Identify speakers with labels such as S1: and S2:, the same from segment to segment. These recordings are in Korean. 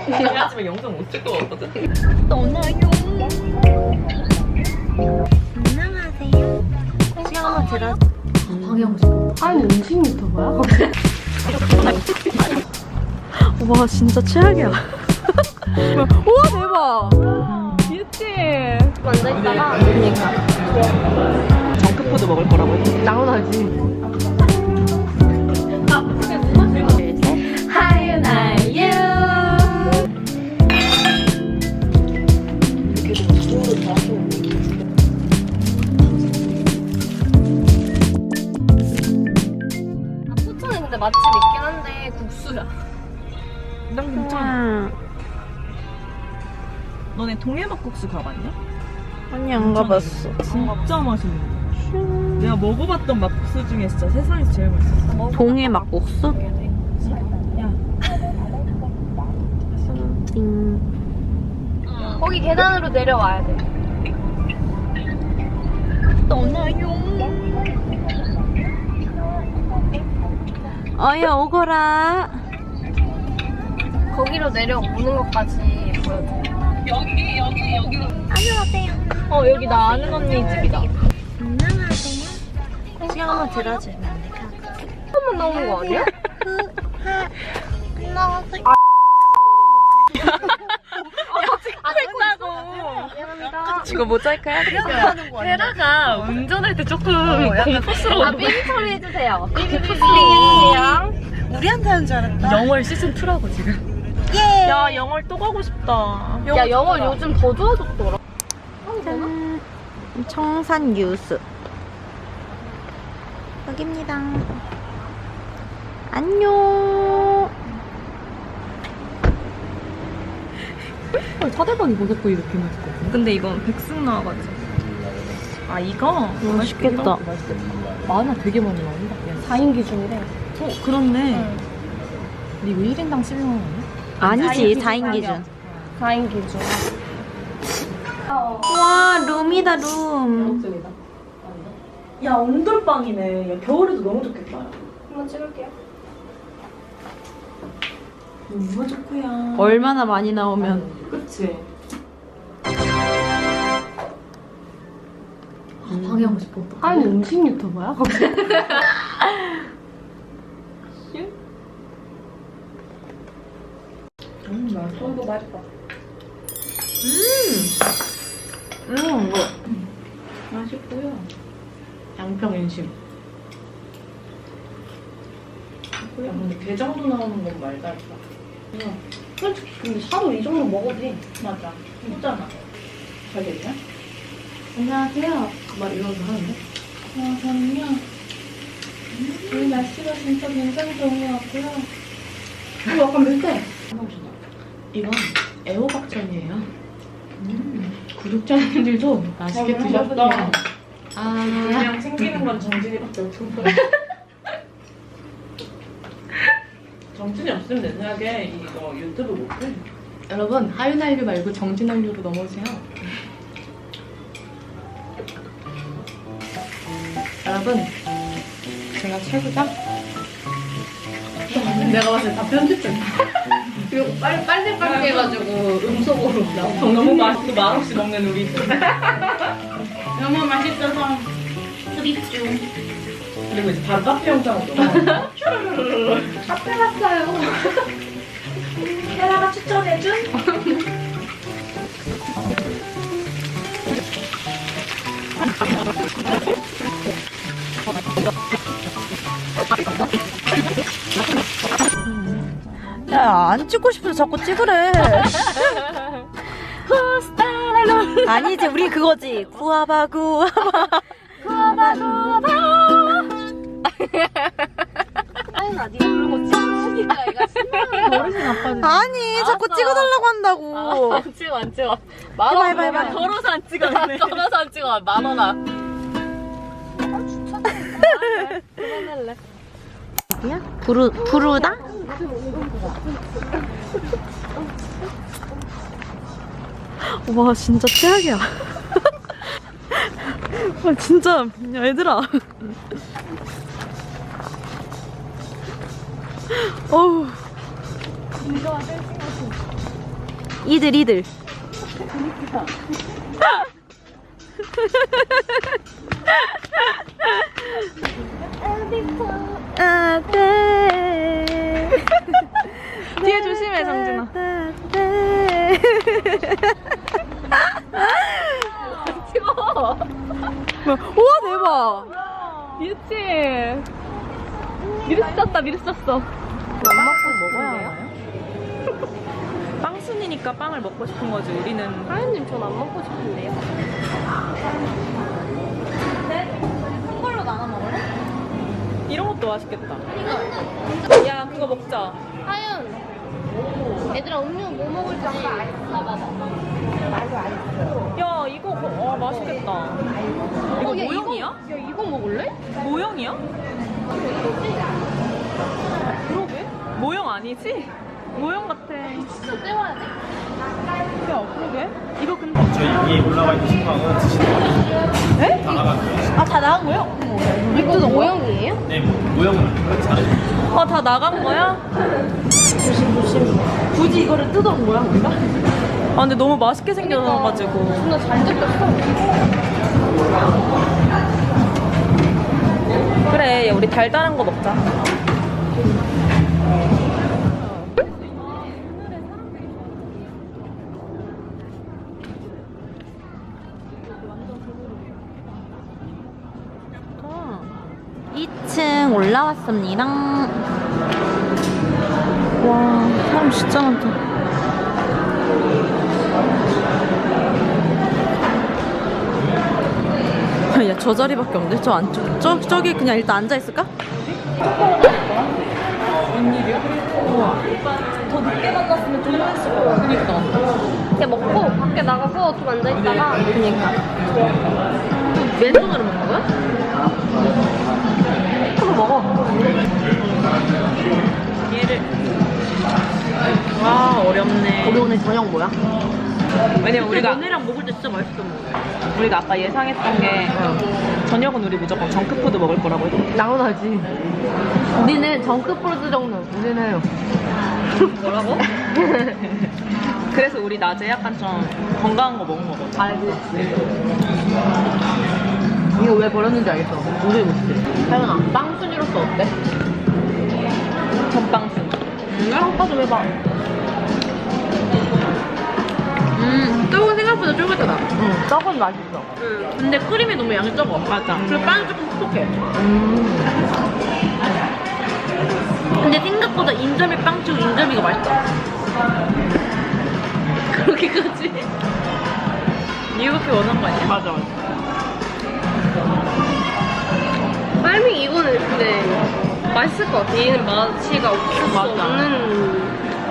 S1: 하지만 영상 못 찍을 것 같거든.
S2: 떠나요. 안녕하세요. 시간 한번 들어.
S1: 방해하고 싶어. 하얀 음식 유튜버야?
S2: 와 진짜 최악이야. 우와 대박.
S1: 귀엽지?
S2: 앉아있다가
S1: 그니까. 정크푸드 먹을 거라고 했지.
S2: 나오나지. 하윤아유. 포천에 근데 맛집 있긴 한데 국수야.
S1: 난 괜찮아. 너네 동해막국수 가봤냐?
S2: 아니 안 가봤어.
S1: 진짜 맛있는 거. 내가 먹어봤던 막국수 중에 진짜 세상에서 제일 맛있었어.
S2: 동해 막국수?
S1: 야.
S2: 거기 계단으로 내려와야 돼. 떠나요. 어여 오거라. 거기로 내려오는 것까지 보여줘. 여기. 안녕하세요.
S1: 여기 나 아는 언니 집이다.
S2: 안녕하세요. 시간 한번 들어주면 안 될까?
S1: 한번 나오는 거 아니야?
S2: 안녕하세요. 미안합니다.
S1: 이거 모자이크 해야겠다. 헤라가 운전할 때 조금 공포스러워.
S2: 삐삐 처리 해주세요. 삐삐삐.
S1: 우리한테 하는 줄 알았다. 영월 시즌 2라고 지금.
S2: 예.
S1: 야 영월 또 가고 싶다.
S2: 야 영어 요즘 더 좋아졌더라. 청산 유수. 여기입니다. 안녕.
S1: 사대반이 버섯고 이렇게 맛있거든. 근데 이건 백숙 나와가지고. 아 이거?
S2: 맛있겠다.
S1: 마늘 되게 많이 나온다. 4인 기준이래. 그렇네. 근데 이거 1인당 10만 원 아니야?
S2: 아니지 4인 기준.
S1: 4인 기준.
S2: 와 룸이다 룸.
S1: 야 온돌방이네. 야, 겨울에도 너무 좋겠다.
S2: 한번 찍을게요.
S1: 너무 좋구야.
S2: 얼마나 많이 나오면.
S1: 그치? 방해하고 싶어. 하얀 음식 유튜버야? 맛있어. 이거 맛있다. 이거 맛있고요. 양평 인심. 야, 근데 게장도 나오는 건 말도 안 돼. 솔직히 근데 사도 이 정도 먹어도 돼. 맞아. 진짜나. 잘 됐냐? 안녕하세요. 막 이러면서 하는데? 저는요. 오늘 날씨가 진짜 굉장히 좋은 것 같고요. 이거 약간 맵대. 이건 애호박전이에요. 구독자님들도 맛있게 드셨다. 그냥 챙기는 건 정진이밖에 없는 거야. 정진이 없으면 내 생각에 이거 유튜브 못해. 여러분 하윤아유 말고 정진아유로 넘어오세요. 여러분 제가 최고죠? 내가 봤을 때 다 편집된 이거 빨리 해가지고 음속으로 너무 맛있고 말없이 먹는 우리. 너무 맛있어서 드립중. 그리고 이제 바로 카페 영상으로 넘어가. 카페 갔어요. 헤라가 추천해준?
S2: 야 안 찍고 싶어서 자꾸 찍으래. 아니지 우리 그거지. 구아바 구아바 구아바 구아바. 아니 나 네가 그런 거 찍으니까 얘가 신나는
S1: 버릇이 나빠지네.
S2: 아니 자꾸 찍어달라고 한다고.
S1: 안 찍어 안 찍어.
S2: 해봐.
S1: 더러워서 안 찍어. 더러워서 안 찍어. 10,000원아. 그만할래.
S2: 야 부르다? 와 진짜 최악이야. 와 진짜 야 얘들아. 어우.
S3: 이들. 아, 네. 뒤에 조심해, 정진아.
S2: 찍어.
S3: 우와, 대박.
S2: 미치. 미르쳤다, 미르쳤어.
S3: 먹어야 하나요? 빵순이니까 빵을 먹고 싶은 거지. 우리는
S2: 하연님 전 안 먹고 싶은데요.
S1: 큰 걸로 나눠 먹을래?
S3: 이런 것도 맛있겠다. 야, 그거 먹자.
S2: 하연. 얘들아 음료 뭐 먹을지 봐봐봐.
S3: 야, 이거 맛있겠다. 이거
S2: 야,
S3: 모형이야?
S2: 야 이거 먹을래?
S3: 모형이야? 그러게? 모형 아니지? 모형 같아.
S2: 진짜 떼와야 돼.
S3: 야, 그러게? 이거 근데
S4: 저희 위에 올라와 있는 신방은 드시는 거예요.
S3: 에?
S4: 다 나갔고요.
S3: 아, 다 나간 거야?
S2: 이거 모형이에요?
S4: 네, 모형은 잘해주세요.
S3: 아, 다 나간 거야? 조심. 굳이 이거를 뜯어온 거야, 우리가? 아, 근데 너무 맛있게 생겨가지고.
S2: 존나 잘 뜯겼어.
S3: 그래, 야, 우리 달달한 거 먹자. 아, 2층 올라왔습니다. 와, 사람 진짜 많다. 야, 저 자리밖에 없는데? 저 안쪽. 저기 그냥 일단 앉아있을까? 웬일이야? 우와. 더 늦게 만났으면 좀 했을 거야. 그니까.
S2: 그냥 먹고 밖에 나가서 좀 앉아있다가.
S3: 그니까. 맨손으로 먹는 거야? 한번 먹어. 얘를. 와, 어렵네.
S1: 우리 오늘 저녁 뭐야?
S3: 왜냐면 우리가
S1: 너네랑 먹을 때 진짜 맛있어.
S3: 우리가 아까 예상했던 게 저녁은 우리 무조건 정크푸드 먹을 거라고 했거든.
S1: 당연하지. 우리는 정크푸드 정도. 우리는
S3: 뭐라고? 그래서 우리 낮에 약간 좀 건강한 거 먹은 거거든.
S1: 알고. 이거 왜 버렸는지 알겠어. 우리 못해. 하연아, 빵순이로서 어때?
S3: 전빵순.
S1: 오빠 좀 해봐. 떡은 생각보다 쫄깃하다. 떡은 맛있어. 근데 크림이 너무 양이 적어.
S3: 맞아.
S1: 그리고 빵이 조금 퍽퍽해. 근데 생각보다 인절미 빵치고 인절미가 맛있다. 그렇게까지?
S3: 이렇게 원한 거 아니야?
S4: 맞아.
S2: 빨미 이거는 근데 맛있을 것 같아. 얘는 맛이가 없을 수
S3: 맞아.
S2: 없는.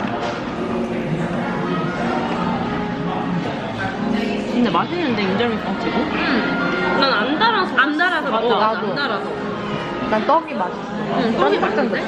S3: 근데 맛있는데 인절미 빵치고?
S2: 난 안 달아서.
S1: 안 달아서
S3: 맞아.
S1: 먹어.
S2: 안 달아서.
S1: 난 떡이 맛있어.
S2: 떡이 맛있는데?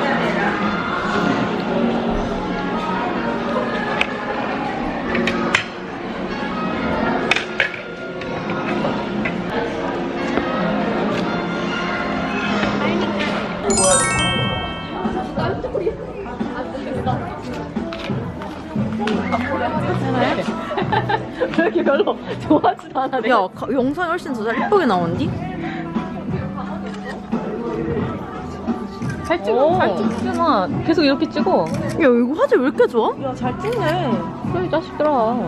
S1: 왜 이렇게 별로 좋아하지도 않아.
S3: 야, 영상이 훨씬 더 잘 예쁘게 나온디?
S1: 잘 찍어. 잘 찍잖아. 계속 이렇게 찍어.
S3: 야, 이거 화질 왜 이렇게 좋아?
S1: 야, 잘 찍네. 그래, 자식들아.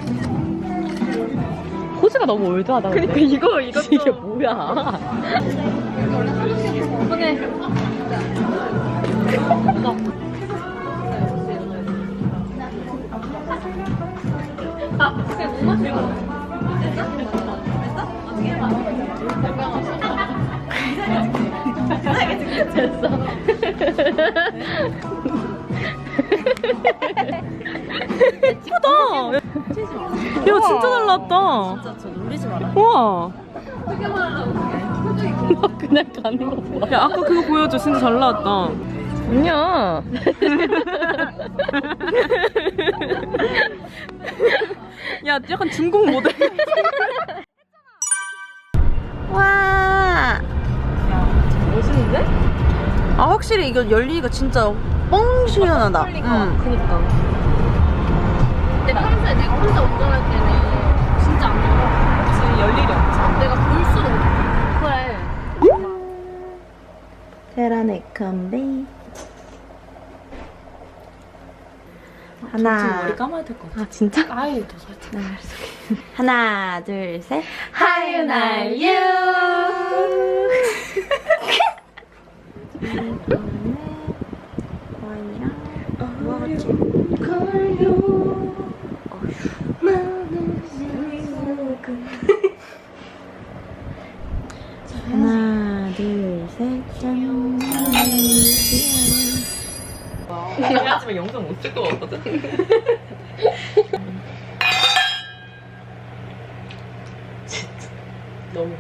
S1: 포즈가 너무 올드하다. 그니까 이거 이게 뭐야?
S2: 오케이.
S3: 예쁘다. 야, 진짜 잘 나왔다.
S1: 진짜 저 놀리지 마라.
S3: 우와.
S1: 너 그냥 가는 거 좋아.
S3: 야, 아까 그거 보여줘. 진짜 잘 나왔다.
S1: 아니야.
S3: 야, 약간 중국 모델. 와.
S1: 멋있는데?
S3: 아, 확실히 이거 열리기가 진짜 뻥 시원하다.
S1: 그니까. 근데
S3: 하나. 머리 감아야 될 것 같아. 아, 진짜?
S2: 아이, 더 살짝.
S3: 하나, 둘, 셋. 하윤, 알유. 와인이랑 뭐 같지? 하나, 둘, 셋, 짠.
S5: 그래야지만 영상 못 찍을 것 같거든? 진짜 너무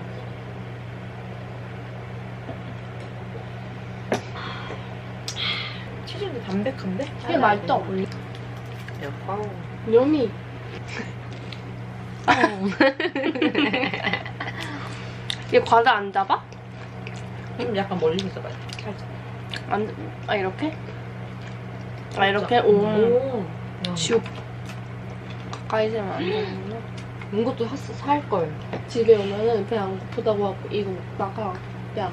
S5: 치즈도 담백한데?
S2: 되게 맛있다.
S5: 야, 빵.
S2: 여미. 얘 과자 안 잡아?
S5: 약간 멀리서 있어봐요. 살짝.
S2: 아, 이렇게? 아, 이렇게? 오. 슉. 가까이 세면 안 되는구나.
S5: 이것도 살걸.
S2: 집에 오면은 배 안 고프다고 하고 이거 먹다가 야,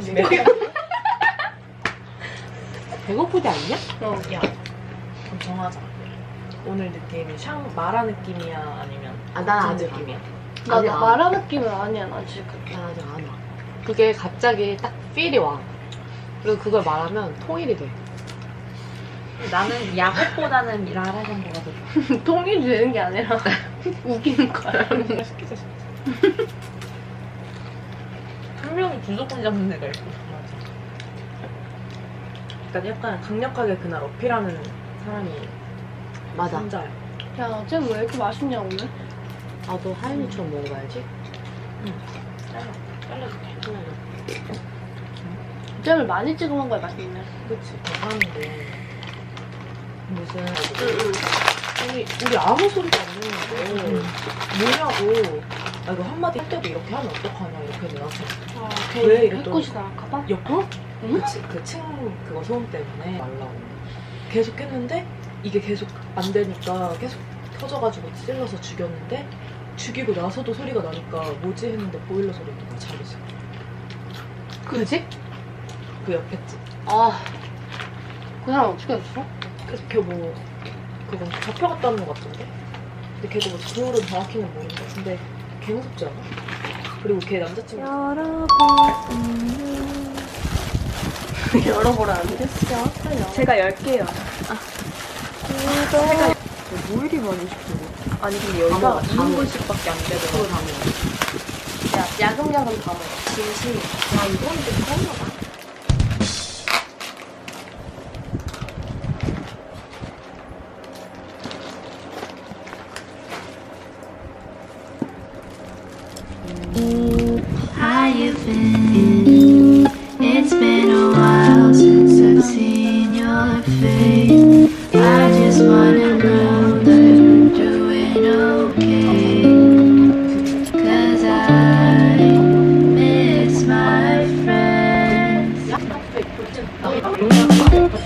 S5: 배고프지 않냐?
S1: 야, 그럼 정하자. 오늘 느낌이 마라 느낌이야? 아니면
S5: 난
S1: 아직 느낌이야?
S2: 나
S5: 아직 안
S2: 마라 느낌은 아니야, 나 지금.
S5: 난 아직 안 와. 그게 갑자기 딱 필이 와. 그리고 그걸 말하면 통일이 돼.
S1: 나는 야곱보다는 라라 정도가 더 좋아.
S2: 통일이 되는 게 아니라 웃기는 거야.
S1: 시키자. 한 명이 주도권 잡는 애가 있고. 그러니까 약간 강력하게 그날 어필하는 사람이
S5: 맞아.
S1: 혼자야.
S2: 야, 쟤왜 이렇게 맛있냐, 오늘?
S5: 나도 하윤이처럼 먹어봐야지.
S1: 잘라줄게.
S2: 잼을 많이 찍어 먹어야 맛있네.
S1: 그치, 대단한데. 무슨,
S2: 응.
S1: 우리 아무 소리도 안 내는데, 뭐냐고. 아, 이거 한마디 할 때도 이렇게 하면 어떡하냐, 이렇게 내가.
S2: 아,
S1: 왜
S2: 걔
S1: 이랬더니-
S2: 해코지 나갈까봐?
S1: 옆으로?
S2: 응?
S1: 그치, 그거 소음 때문에 말라고. 계속 했는데, 이게 계속 안 되니까 계속 터져가지고 찔러서 죽였는데, 죽이고 나서도 소리가 나니까 뭐지 했는데 보일러 소리가 잘했어.
S2: 그지?
S1: 그 옆에 집.
S2: 아, 그 사람 어떻게 했어?
S1: 그래서 걔뭐 그건 잡혀갔다는 것 같은데? 근데 걔도 뭐 그거를 정확히는 모르는데 근데 걔 무섭지 않아? 그리고 걔 남자친구
S2: 열어보라는데?
S3: 제가 10개요. 뭐 이리 많이 시키고. 아니, 근데 여기가 2인분씩밖에 안 되더라고.
S2: 야, 야금야금 다 먹어.
S1: 진심 야 이건 좀 서운하다.
S6: How you been? It's been a while since I've seen your face. I just wanna know that you're doing okay. 'Cause I miss my friends.